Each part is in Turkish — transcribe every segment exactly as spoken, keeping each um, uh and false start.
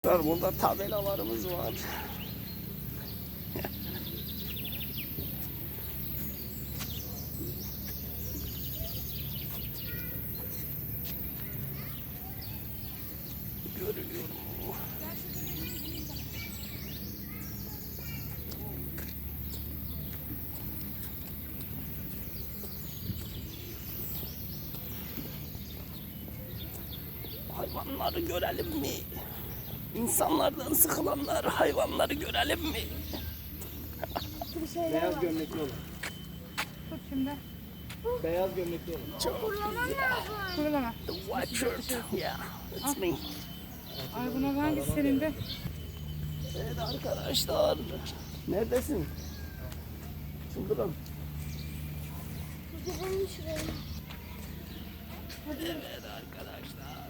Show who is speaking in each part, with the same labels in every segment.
Speaker 1: Burada tabelalarımız var. Görülüyor mu? Hayvanları görelim mi? İnsanlardan sıkılanlar, hayvanları görelim mi?
Speaker 2: Beyaz gömlekli olan.
Speaker 3: Tut şimdi.
Speaker 2: Beyaz gömlekli olan.
Speaker 1: Çok güzel.
Speaker 3: Kurulama.
Speaker 1: The white shirt. Yeah, it's me.
Speaker 3: Ay buna hangisi senin de?
Speaker 1: Evet arkadaşlar. Neredesin? Çıldırın.
Speaker 4: Gidelim şuraya.
Speaker 1: Evet arkadaşlar.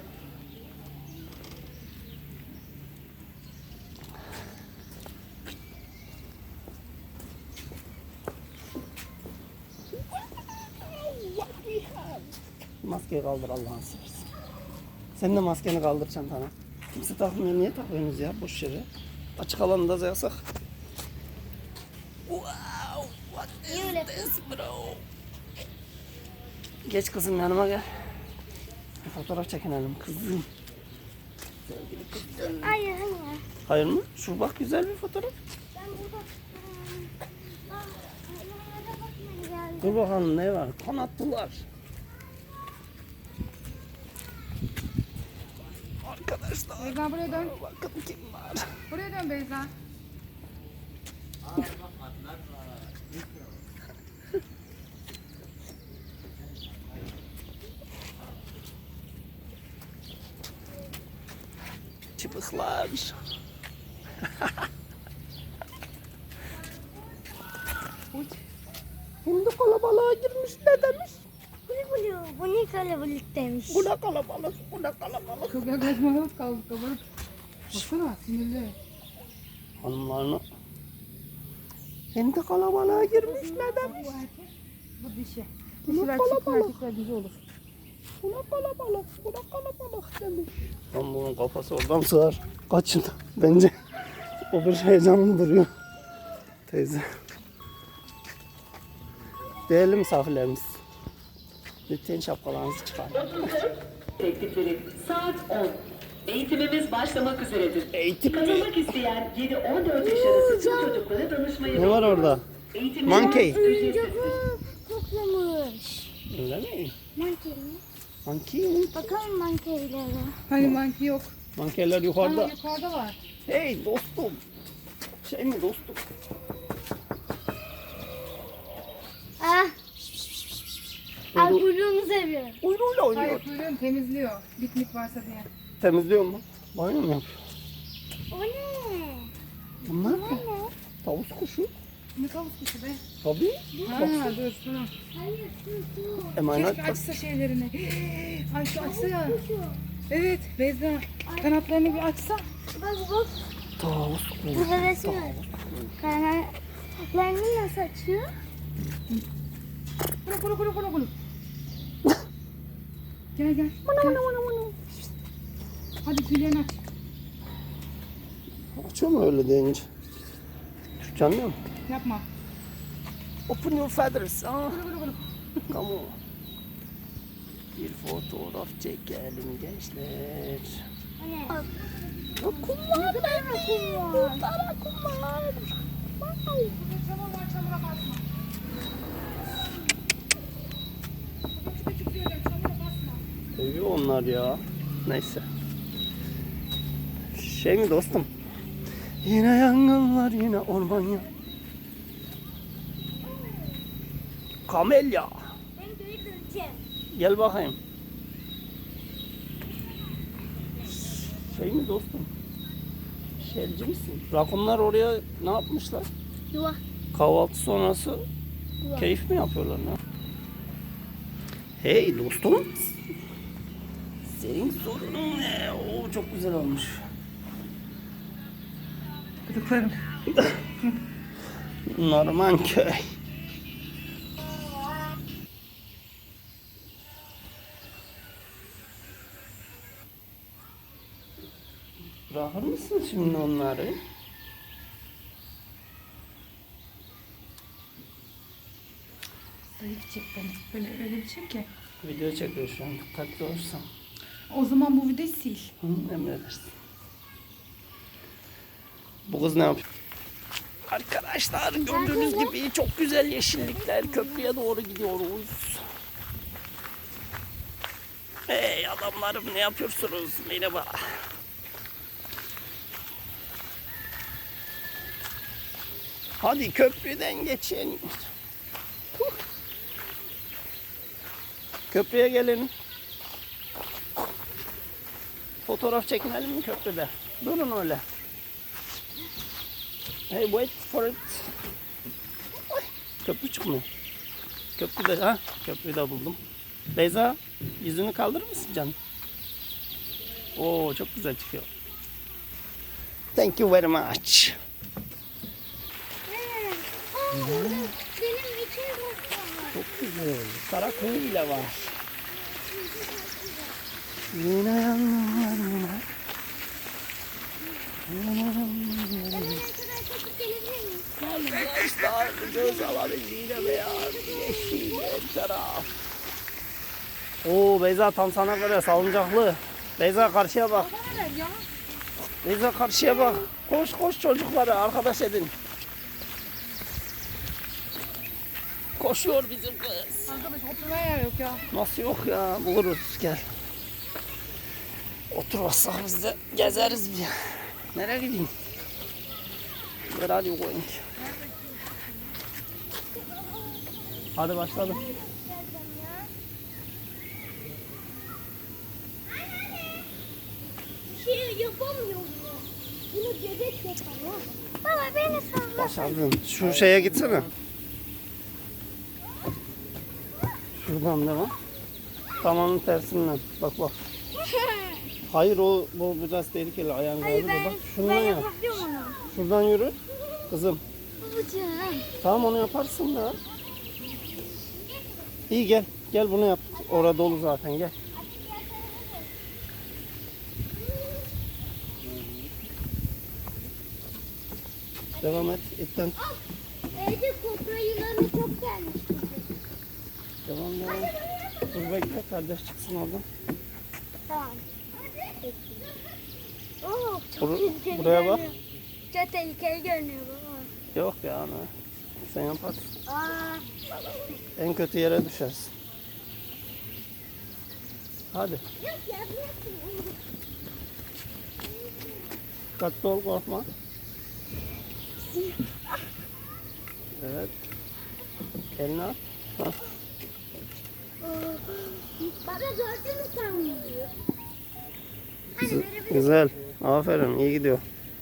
Speaker 1: Maskeyi kaldır Allah'ını seversen. Sen de maskeni kaldır çantana. Kimse takmıyor. Niye takıyorsunuz ya? Boş yere. Açık alanda yasak. Wow, what is this bro? Geç kızım yanıma gel. Bir fotoğraf çekinelim kızım. Sevgili kızım.
Speaker 4: Hayır hayır.
Speaker 1: Hayır mı? Şu bak güzel bir fotoğraf.
Speaker 4: Ben burada ıı, ah, hayvanlara bakmaya geldim.
Speaker 1: Dur bakalım ne var? Kanatlılar. Arkadaşlar.
Speaker 3: Beyza buraya dön.
Speaker 1: Bakın kim var.
Speaker 3: Buraya dön Beyza.
Speaker 1: Çıpıklar.
Speaker 3: Uç.
Speaker 1: Şimdi kalabalığa girmiş ne demiş?
Speaker 4: Bulu bulu. Bu ne kalabalık demiş.
Speaker 1: Bu ne kalabalık, bu ne kalabalık.
Speaker 3: Çok yaklaşmalık kaldık kabarık. Baksana sinirli.
Speaker 1: Hanımlarını. Şimdi kalabalığa girmiş ne demiş?
Speaker 3: Bu erkek, bu dişi.
Speaker 1: Bu ne
Speaker 3: Dişiler çift
Speaker 1: kalabalık.
Speaker 3: erkekler dişi olur.
Speaker 1: Bu ne kalabalık, bu ne kalabalık demiş. Lan bunun kafası oradan sığar. Kaçın bence. O bir heyecanlı duruyor. Teyze. Değerli misafirlerimiz. Lütfen şapkalarınızı çıkarın.
Speaker 5: Teklifleri saat on. Eğitimimiz başlamak üzeredir.
Speaker 1: Eğitim mi?
Speaker 5: Katılmak isteyen yedi on dört yaş arası tüm çocuklara danışmayı
Speaker 1: Ne var orada?
Speaker 5: Eğitimimiz
Speaker 1: Monkey.
Speaker 4: Oyuncağı koklamış.
Speaker 1: Öyle mi?
Speaker 4: Monkey mi?
Speaker 1: Monkey mi?
Speaker 4: Bakalım monkeylere.
Speaker 3: Hani manki yok.
Speaker 1: Monkeyler
Speaker 3: Ha,
Speaker 1: yukarıda.
Speaker 3: yukarıda var.
Speaker 1: Hey dostum. Şey mi dostum?
Speaker 4: Ah. Al kuyruğunu seviyorum.
Speaker 1: Kuyruğuyla oynuyor.
Speaker 3: Hayır kuyruğunu temizliyor. Bitmik varsa diye.
Speaker 1: Temizliyor mu? Banyo mu yapıyor?
Speaker 4: O ne?
Speaker 1: Bunlar
Speaker 4: O
Speaker 1: ne?
Speaker 4: ne?
Speaker 1: Tavus kuşu.
Speaker 3: Ne tavus kuşu be.
Speaker 1: Tabii.
Speaker 3: Ha dur dur.
Speaker 4: Hayır su su.
Speaker 1: Emanet.
Speaker 3: Keşke açsa şeylerini. Ay şu açsa ya.
Speaker 4: Kuşu.
Speaker 3: Evet Beyza. Kanatlarını bir açsa.
Speaker 4: Bak bak.
Speaker 1: Tavus kuşu.
Speaker 4: Burada resim var. Kanatlarını nasıl açıyor?
Speaker 3: Kulu kulu kulu kulu kulu. Gel gel. gel. Hadi tüylerini aç.
Speaker 1: Açıyor mu öyle deyince? Türkçe anlıyor musun?
Speaker 3: Yapma.
Speaker 1: Open your feathers. Ah,
Speaker 3: Kulu kulu kulu.
Speaker 1: come on. Bir fotoğraf çekelim gençler.
Speaker 4: O ne?
Speaker 1: Kumlar.
Speaker 4: Ne kadar akım var.
Speaker 1: Burada kumlar.
Speaker 3: Burada çamur var çamura basma. Küçük küçük söylüyorum çamura basma.
Speaker 1: Seviyor onlar ya. Neyse. Şey mi dostum? Yine yangınlar, yine orman ya. Kamelya.
Speaker 4: Ben geri döneceğim.
Speaker 1: Gel bakayım. Şey mi dostum? Şelci misin? Rakunlar oraya ne yapmışlar?
Speaker 4: Yuva.
Speaker 1: Kahvaltı sonrası
Speaker 4: Yuva.
Speaker 1: keyif mi yapıyorlar ne? Hey dostum. Senin sorunun ne? Oo, çok güzel olmuş.
Speaker 3: Gıdıklarım.
Speaker 1: Normanköy. Bırak. Bırakır mısın şimdi onları?
Speaker 3: Zayıf çek beni. Böyle öyle bir şey ki.
Speaker 1: Video çekiyor şu an. Dikkatli olursan.
Speaker 3: O zaman bu videoyu sil.
Speaker 1: Hı, emredersin. Bu kız ne yapıyor? Arkadaşlar gördüğünüz gibi çok güzel yeşillikler. Köprüye doğru gidiyoruz. Hey adamlarım ne yapıyorsunuz? Merhaba. Hadi köprüden geçin. Huh. Köprüye gelin. Fotoğraf çekinelim mi köprüde? Durun öyle. Hey wait for it. Ay, köprü çıkmıyor. Köprüde ha? Köprüyü de buldum. Beyza yüzünü kaldırır mısın canım? Oo çok güzel çıkıyor. Thank you very much.
Speaker 4: Benim için bakma.
Speaker 1: Çok güzel. Karakuyu bile var. Yine yanlarına. Arkadaşlar göz alanı yine beyaz, yeşil, her taraf. Oo Beyza tam sana göre salıncaklı. Beyza karşıya bak. Beyza karşıya bak. Koş koş çocukları arkadaş edin. Koşuyor bizim kız.
Speaker 3: Arkadaş oturmaya yer yok ya.
Speaker 1: Nasıl yok ya buluruz gel. Oturmazsak biz de gezeriz bir. Nereye gideyim? Where are you going? Hadi başladım.
Speaker 4: Şey yapamıyorum. Bunu bebek yapar. Baba beni salla.
Speaker 1: Başardın. Şu şeye gitsene. Şuradan devam. Tam onun tersinden. Bak bak. Hayır o bu biraz tehlikeli ayağın
Speaker 4: Hayır
Speaker 1: kaydı.
Speaker 4: ben,
Speaker 1: Bak
Speaker 4: ben
Speaker 1: şundan yap.
Speaker 4: yapabiliyorum onu.
Speaker 1: Şuradan yürü. Kızım.
Speaker 4: Babacığım.
Speaker 1: Tamam onu yaparsın da. İyi gel. Gel bunu yap. Orada dolu zaten gel. Devam et. İpten.
Speaker 4: Evde kobra yılanı çok gelmiş.
Speaker 1: Devam devam. Dur bekle kardeş çıksın oradan.
Speaker 4: Tamam. Oo, çok
Speaker 1: Bur-
Speaker 4: tehlikeli
Speaker 1: buraya bak.
Speaker 4: görünüyor. Çok tehlikeli görünüyor baba.
Speaker 1: Yok ya ana. Sen yaparsın.
Speaker 4: Aa,
Speaker 1: En kötü yere düşersin. Hadi.
Speaker 4: yok ya bırakın.
Speaker 1: Dikkatli ol korkma. Evet. Elini at. Hah.
Speaker 4: Baba gördün mü sen bunu?
Speaker 1: Güzel- Güzel. Aferin. iyi gidiyor.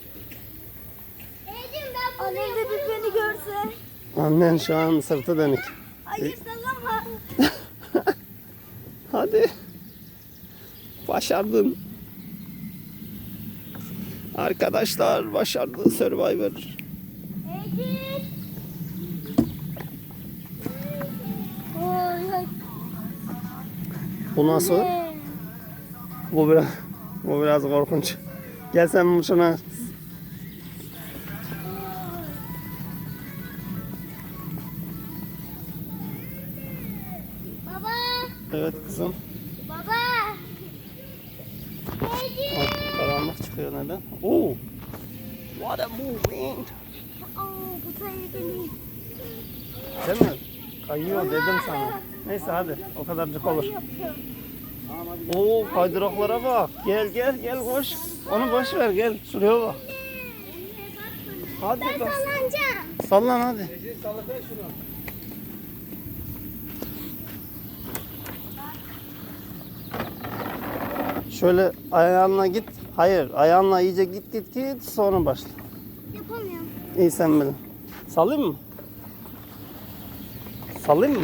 Speaker 4: Ecim ben bunu Annem de bir beni görse.
Speaker 1: Annen şu an sırtı dönük.
Speaker 4: Hayır sallama.
Speaker 1: Hadi. Başardın. Arkadaşlar başardı Survivor.
Speaker 4: Ecim. Oy, oy.
Speaker 1: Bu nasıl?
Speaker 4: Ee,
Speaker 1: Bu biraz, bu biraz korkunç. Gel sen şuna.
Speaker 4: Baba.
Speaker 1: Evet kızım.
Speaker 4: Baba. Ecim.
Speaker 1: Bak, karanlık çıkıyor neden? Oo. What a moving.
Speaker 4: Oo, bu tehlikeli.
Speaker 1: Değil mi? Kayıyor dedim sana. Neyse hadi o kadarcık olur.
Speaker 4: Yapıyor.
Speaker 1: Oo kaydıraklara bak. Gel gel gel koş. Onu boş ver gel. Şuraya bak. Hadi
Speaker 4: Ben
Speaker 1: bak.
Speaker 4: sallanacağım.
Speaker 1: Sallan hadi.
Speaker 2: Ece sallasana şunu.
Speaker 1: Şöyle ayağınla git. Hayır ayağınla iyice git git git sonra başla.
Speaker 4: Yapamıyorum.
Speaker 1: İyi sen bilin. Sallayayım mı? Sallayayım mı?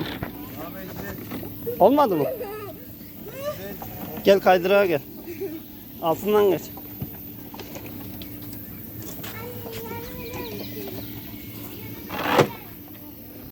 Speaker 1: Olmadı mı? Gel kaydırağa gel. Altından geç.